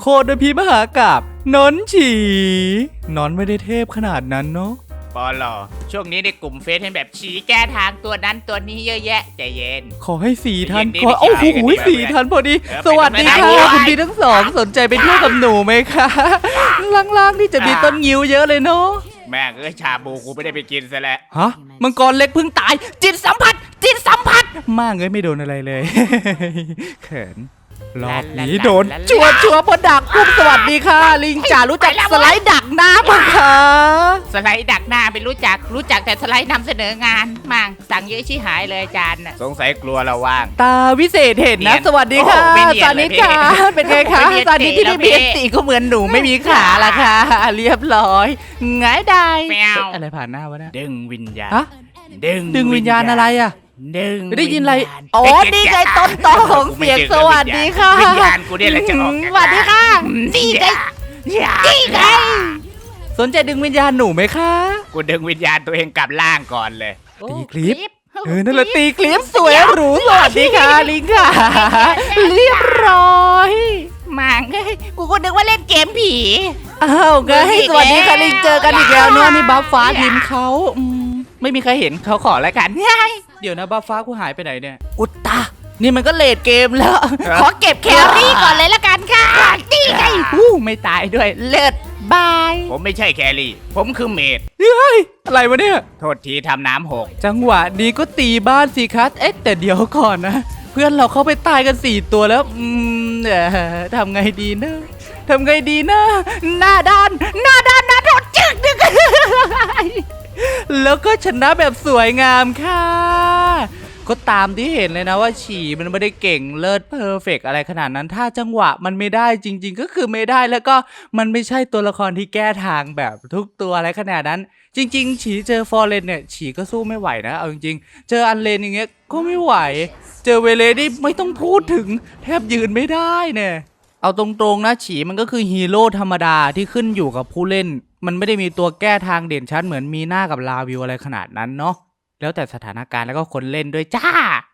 โคตรพิมหากาบนนฉีนอนไม่ได้เทพขนาดนั้นเนาะปอลอช่วงนี้ในกลุ่มเฟซเห็นแบบชี้แก้ทางตัวนั้นตัวนี้เยอะแยะใจเย็นขอให้4 ท่านเย็นๆขอโอ้โหไม่ใช่ 4 ท่านพอดีเออสวัสดีค่ะไปทำไมคุณพี่ทั้งสองสนใจไปเที่ยวกับหนูไหมคะล่างๆนี่จะมีต้นงิ้วเยอะเลยเนาะแม่งชาบูกูไม่ได้ไปกินซะแล้วฮะมังกรเล็กเพิ่งตาย จิตสัมผัสมากไม่โดนอะไรเลย เขินรอบนี้โดนชัวพอดักปุ๊บสวัสดีค่ะ ลิงจ๋ารู้จักสไลด์ดักน้ำมั้งคะสไลด์ดักหน้าเป็นรู้จักแต่สไลด์นำเสนองานมั่งสั่งเยอะชิหายเลยอาจารย์สงสัยกลัวเราว่างตาวิเศษเห็นนะเนียนสวัสดีค่ะโอ้ไม่เนียนสานิทค่ะเลยพี่เป็นไงคะไม่เนียนสานิทที่ได้เก๋เบียแล้วพี่สีก็เหมือนหนูไม่มีขาละค่ะ เรียบร้อยง่ายได้แมวอะไรผ่านหน้าวะเนี่ยดึงวิญญาณฮะดึงดึงวิญญาณอะไรอ่ะดึงได้ยินอะไรวิญญาณอ๋อนี่ไงต้นตอของเสียงสวัสดีค่ะวิญญาณกูเนี่ยแหละจะออกจากสวัสดีค่ะนี่ไงนี่ไงสนใจดึงวิญญาณหนูไหมคะกูดึงวิญญาณตัวเองกลับล่างก่อนเลยตีคลิปนั่นแหละตีคลิปสวยหรูสวัสดีค่ะลิงค่ะ เรียบร้อยมังกูก็นึกว่าเล่นเกมผีอ้าวไงสวัสดีค่ะลิงเจอกันอีกแล้วเนาะนี่บัฟฟ้าทีมเขาไม่มีใครเห็นเขาขอแล้วกันเดี๋ยวนะบัฟฟ้ากูหายไปไหนเนี่ยอุตตานี่มันก็เลดเกมแล้วขอเก็บแครี่ก่อนเลยละกันค่ะนี่ไงไม่ตายด้วยเลิศบายผมไม่ใช่แครี่ ผมคือเมดเฮ้ยอะไรวะเนี่ยโทษทีทำน้ำหกจังหวะนี้ก็ตีบ้านสิครับแต่เดี๋ยวก่อนนะ เพื่อนเราเข้าไปตายกัน4 ตัวแล้วทำไงดีนะหน้าด้านนะโดนจึกนึก แล้วก็ชนะแบบสวยงามค่ะ ก็ตามที่เห็นเลยนะว่าฉี่มันไม่ได้เก่งเลิศเพอร์เฟกอะไรขนาดนั้นถ้าจังหวะมันไม่ได้จริงๆก็คือไม่ได้แล้วก็มันไม่ใช่ตัวละครที่แก้ทางแบบทุกตัวอะไรขนาดนั้นจริงๆฉี่เจอฟอร์เรนเนี่ยฉี่ก็สู้ไม่ไหวนะเอาจริงๆเจออันเลนอย่างเงี้ยก็ไม่ไหวเจอเวเลนี่ไม่ต้องพูดถึงแทบยืนไม่ได้เนี่ยเอาตรงๆนะฉี่มันก็คือฮีโร่ธรรมดาที่ขึ้นอยู่กับผู้เล่นมันไม่ได้มีตัวแก้ทางเด่นชัดเหมือนมีหน้ากับลาวิวอะไรขนาดนั้นเนาะแล้วแต่สถานการณ์แล้วก็คนเล่นด้วยจ้า